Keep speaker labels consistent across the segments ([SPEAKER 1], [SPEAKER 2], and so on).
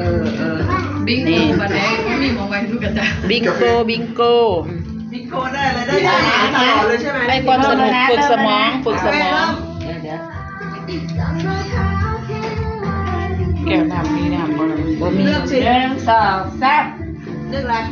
[SPEAKER 1] บิงโกมาแดงไม่มีมองไปทุกกระจา
[SPEAKER 2] บิงโก
[SPEAKER 3] บิงโกได้อะไรได้ตลอดเลยใช่ไหม
[SPEAKER 2] ให้ความสนุกฝึกสมอง
[SPEAKER 4] เดี๋ยวแก้วน้ำนี่น้ำบ่มี1 2 3
[SPEAKER 3] เลือกอะไร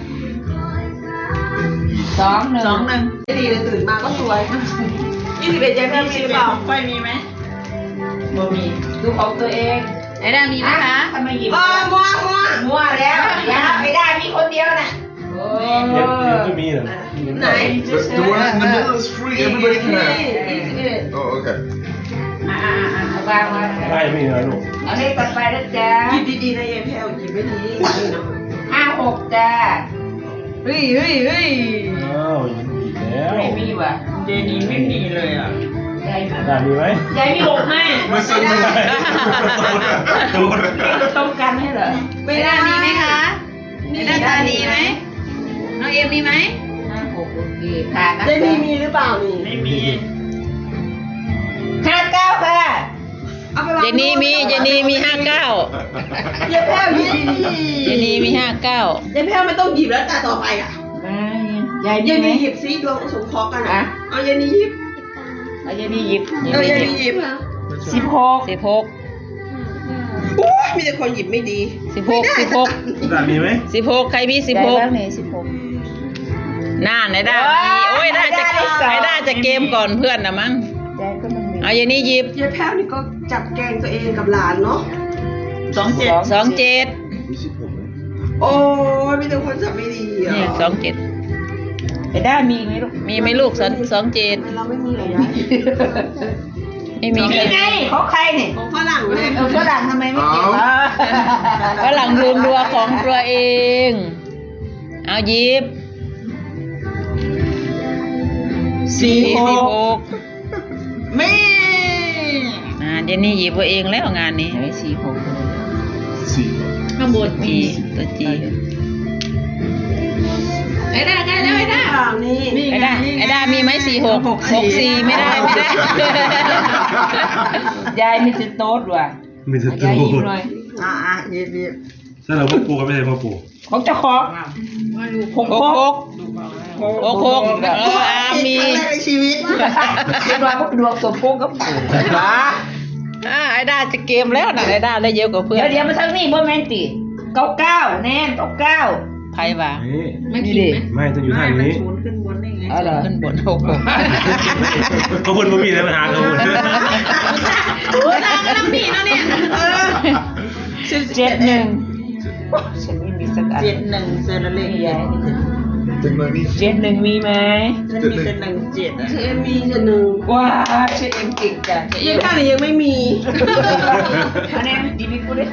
[SPEAKER 4] 2 1
[SPEAKER 3] ดีเลยตื่นมาก็สวย21ยังมีหรือเปล่าไฟมีไหม
[SPEAKER 4] บ่มีดูของตัวเอง
[SPEAKER 1] ไอ้ด้ามีไหมคะ
[SPEAKER 4] ทำไมหยิบ
[SPEAKER 3] มัว
[SPEAKER 4] แล้วอย่าไม่ได้มีคนเดียวน่ะโอ้
[SPEAKER 5] ไม่มีหรอ
[SPEAKER 3] ไหน
[SPEAKER 6] The one in the middle is free. Everybody can have.
[SPEAKER 3] 21
[SPEAKER 6] Oh, okay.
[SPEAKER 4] วางไว้
[SPEAKER 5] ได้ไม่เหรอลูก
[SPEAKER 4] เอาเลขต่อไปนะจ๊ะ
[SPEAKER 3] หยิบดีๆนะยายแพรวหยิบไม่ดีเนาะ
[SPEAKER 4] 5 6จ้า
[SPEAKER 3] เฮ้ย
[SPEAKER 5] อ้าวยังมีแล้ว
[SPEAKER 4] ไม่มีว่ะ
[SPEAKER 3] เดนี้ไม่มีเลยอ่ะ
[SPEAKER 4] ยาย
[SPEAKER 5] ได้มีไหม
[SPEAKER 4] มี6 5
[SPEAKER 6] ไม่ซื้อไม่ได้โดน
[SPEAKER 4] เราต้องกันให้เหรอ
[SPEAKER 1] ไอ้ด้ามีไหมคะไอ้ด้าตาดีไหมน้องเอ็มมีไหม
[SPEAKER 4] 5 6โอเคผ่านนะ
[SPEAKER 3] เดนี้มีหรือเปล่านี่ไม่มี
[SPEAKER 4] 59ค่ะ
[SPEAKER 2] เจนี่มี59
[SPEAKER 3] ยายแพรวหยิบดี
[SPEAKER 2] เจนี่มี59
[SPEAKER 3] ยายแพรวไม่ต้องหยิบแล้วตาต่อไปอ่ะ
[SPEAKER 4] ยาย
[SPEAKER 3] ยาย
[SPEAKER 4] ไหม
[SPEAKER 3] นี่หยิบซิดวงสมพกันอ่ะเอายายนี่หยิบ
[SPEAKER 4] ยายนี่หยิบ
[SPEAKER 3] ยายนี่หยิบ
[SPEAKER 2] 16
[SPEAKER 3] โอ้ยมีแต่คนหยิบไม่ดี
[SPEAKER 5] ได้มีไหม
[SPEAKER 2] 16ใครมี
[SPEAKER 4] แล้วไหน
[SPEAKER 2] 16น่าไหนได้มีโอ้ยน่าจะเกมก่อนเพื่อนนะมั้ง
[SPEAKER 4] ยายก็มันมี
[SPEAKER 2] เอาอย่างนี้หยิบ
[SPEAKER 3] ยายแพรวนี่ก็จับแกงตัวเองกับหลานเนาะ
[SPEAKER 2] 27
[SPEAKER 3] โอ้ยมีแต่คนจับไม่ดีอ่ะ
[SPEAKER 2] เนี่ย27
[SPEAKER 4] ไอ้ด้ามีไหมลูก
[SPEAKER 2] มีไหมลูก27
[SPEAKER 3] เราไม่มีเหรอยาย
[SPEAKER 2] ไม่มี
[SPEAKER 4] นี่ไงของใครเนี่ย
[SPEAKER 3] ของฝรั่งเลย
[SPEAKER 4] ฝรั่งทำไมไม่เก็บ
[SPEAKER 2] ฝรั่งลืมดัวของตัวเองเอาหยิบ46
[SPEAKER 3] ไม่
[SPEAKER 2] เจนนี่หยิบตัวเองแล้วงานนี้
[SPEAKER 4] ไม่46
[SPEAKER 1] ข้างบน
[SPEAKER 2] มีตัวจี
[SPEAKER 1] ไอ้ด้าใกล้แล้วไอ้ด้า
[SPEAKER 3] นี่
[SPEAKER 2] ไอ้ด้ามีไหม46 64ไม่ได้
[SPEAKER 4] ยายไม่จะโต๊ดว่ะ
[SPEAKER 5] มีแต่ตั
[SPEAKER 4] ยายยิ้ม
[SPEAKER 5] ว
[SPEAKER 4] หน่อย
[SPEAKER 3] หยิบ
[SPEAKER 5] ถ้าเราพ่อปู่ก็ไม่ใช่พ่อปู่
[SPEAKER 4] ของเจ้าของ
[SPEAKER 2] 66มี
[SPEAKER 3] ในชีวิต
[SPEAKER 4] เป็นว่าพวกดวงสมพงษ์กับปู่
[SPEAKER 2] ไอ้ด้าจะเกมแล้วนะไอ้ด้าได้เยอะกว่าเพื่อน
[SPEAKER 4] เดี๋ยวมาทั้งนี้บ่แม่นติ99แน่น99
[SPEAKER 2] ไพ่ว่า
[SPEAKER 1] ไม่คิดไหม
[SPEAKER 5] ไม่ต้องอยู่ท่านี้
[SPEAKER 3] ขึ้นบนได้ไง
[SPEAKER 4] เหรอ
[SPEAKER 2] ขึ้นบน66
[SPEAKER 5] เขาพูดว่ามีอะไรปัญหาเขาพูด
[SPEAKER 1] ผู้ชายกำลังมีเนาะเนี่ย
[SPEAKER 4] 71ฉันไม่มีสักอัน
[SPEAKER 3] 71เซนละเล็ก
[SPEAKER 4] ยาย
[SPEAKER 6] Technologie.
[SPEAKER 4] 71มีไหม
[SPEAKER 3] ฉันมีแต่17อ่ะฉันมีแต่1
[SPEAKER 4] ว้าฉันเอ็มเก่งจัง
[SPEAKER 3] ยังข้างนี้ยังไม่มี
[SPEAKER 4] อันนี้ดีมีกูด้วย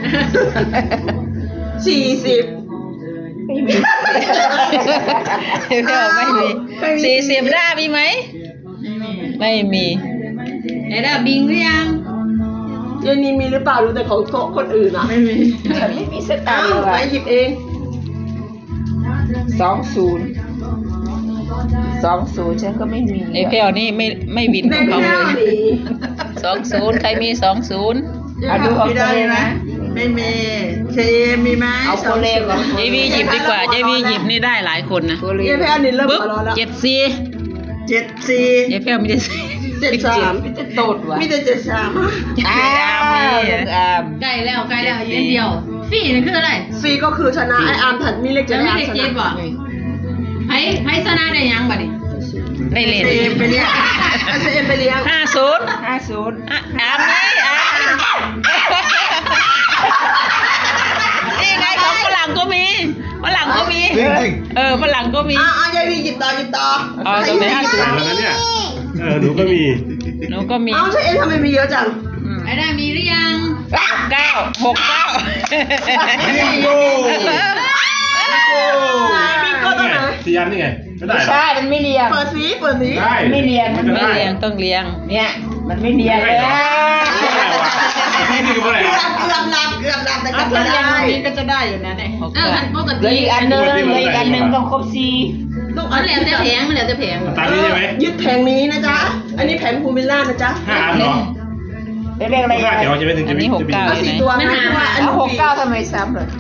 [SPEAKER 3] 40
[SPEAKER 4] ไม่มี
[SPEAKER 2] เดี๋ยวไม่มี40ด้ามีไหมไม่มี
[SPEAKER 1] ไอ้ด้าบิงหรือยัง
[SPEAKER 3] ยายนี่มีหรือเปล่ารู้แต่ของโต๊ะคนอื่นอ่ะไม่มี
[SPEAKER 4] ฉันไม่มีสตา
[SPEAKER 3] อ้า
[SPEAKER 4] ร์
[SPEAKER 3] ว
[SPEAKER 4] เล
[SPEAKER 3] ไป
[SPEAKER 4] ย
[SPEAKER 3] หยิบเอง
[SPEAKER 4] 20ฉันก็ไม่มี
[SPEAKER 2] ไอ้แพลวนี่ไม่วินของเขาเลย20ใครมี20
[SPEAKER 4] เอาดูของตัวเองนะ
[SPEAKER 3] ไม่มีเชมีไหม
[SPEAKER 4] เอาคนเลวก่อน
[SPEAKER 2] เจวีหยิบดีกว่าเจวีหยิบนี่ได้หลายคนนะ
[SPEAKER 4] ตัวเล
[SPEAKER 3] ยายว แพรนี่เริ่ม
[SPEAKER 2] ปึ๊บ
[SPEAKER 3] หัวร้อนแล้ว
[SPEAKER 2] 74
[SPEAKER 3] 74
[SPEAKER 2] ยายแพลวมีแต่
[SPEAKER 3] 73
[SPEAKER 4] มีแต่โตดว่ะ
[SPEAKER 3] มีแต่73
[SPEAKER 4] อ้าวลูกอาม
[SPEAKER 1] ใกล้แล้วเย็นเดียวฟี่นี่คืออะไร
[SPEAKER 3] ซีก็คือชนะไออาร์มถัดมีเลข
[SPEAKER 1] จะ
[SPEAKER 3] จะ
[SPEAKER 1] ไม่
[SPEAKER 3] ได้
[SPEAKER 1] ได้เจ็บบ่ไพ่ชนะได้ยังบ่ดิ
[SPEAKER 2] ได้เล่น
[SPEAKER 3] เอ็มไปเลี้ยงเอ็มไปเลี้ยง
[SPEAKER 2] 50
[SPEAKER 4] 50
[SPEAKER 2] อามนี่นี่ไงของฝรั่งก็มีฝรั่งก็มี
[SPEAKER 6] Ding, ding.
[SPEAKER 2] ฝรั่งก็มี
[SPEAKER 3] ยายวีหยิบต่อ
[SPEAKER 2] เอาตรงไหน
[SPEAKER 5] แล้วนะเนี่ยหนูก็มี
[SPEAKER 2] หนูก็มี
[SPEAKER 3] เอาใช่เอ็มทำไมมีเยอะจัง
[SPEAKER 1] ไอ้ด้ามีหรือยัง
[SPEAKER 3] มีก็ต้องไหน
[SPEAKER 5] ที่ยันนี่ไงไม่ได้
[SPEAKER 4] ไม่
[SPEAKER 5] หรอ
[SPEAKER 4] ใช่มันไม่เรียง
[SPEAKER 3] เปิดสี
[SPEAKER 5] ได้
[SPEAKER 4] ไม่เรียง
[SPEAKER 5] มัน
[SPEAKER 2] ไม่
[SPEAKER 5] ได้
[SPEAKER 2] เลี้ยงต้องเลี้ยง
[SPEAKER 4] เนี่ยมันไม่เรียงเลย
[SPEAKER 5] พี่คืออะไร
[SPEAKER 3] เกือบหลับแต่ก็
[SPEAKER 4] ถ้า
[SPEAKER 3] ได้
[SPEAKER 4] เรียงแบบนี้ก็จะได้อยู่นะเนี่ย
[SPEAKER 1] ปก
[SPEAKER 4] เหลือ
[SPEAKER 1] ติ
[SPEAKER 4] อีกอันนึงต้องครบ4
[SPEAKER 3] ต้อง
[SPEAKER 1] มันเหลือแต่แผง
[SPEAKER 5] ตามนี้ใช่ไหม
[SPEAKER 3] ยึดแผงนี้นะจ๊ะอันนี้แผงภูมิลล่านะจ๊ะ
[SPEAKER 5] 5 อันเหรอ
[SPEAKER 4] เรียกอะไร
[SPEAKER 5] 5 เดี๋ยวจะไม่ถึงจะ
[SPEAKER 2] อันนี้
[SPEAKER 5] มี
[SPEAKER 2] 69
[SPEAKER 3] เอา4 ตัวนะเพราะว่าอัน
[SPEAKER 4] เอา
[SPEAKER 3] นี้
[SPEAKER 4] 69ทำไมซ้ำเลย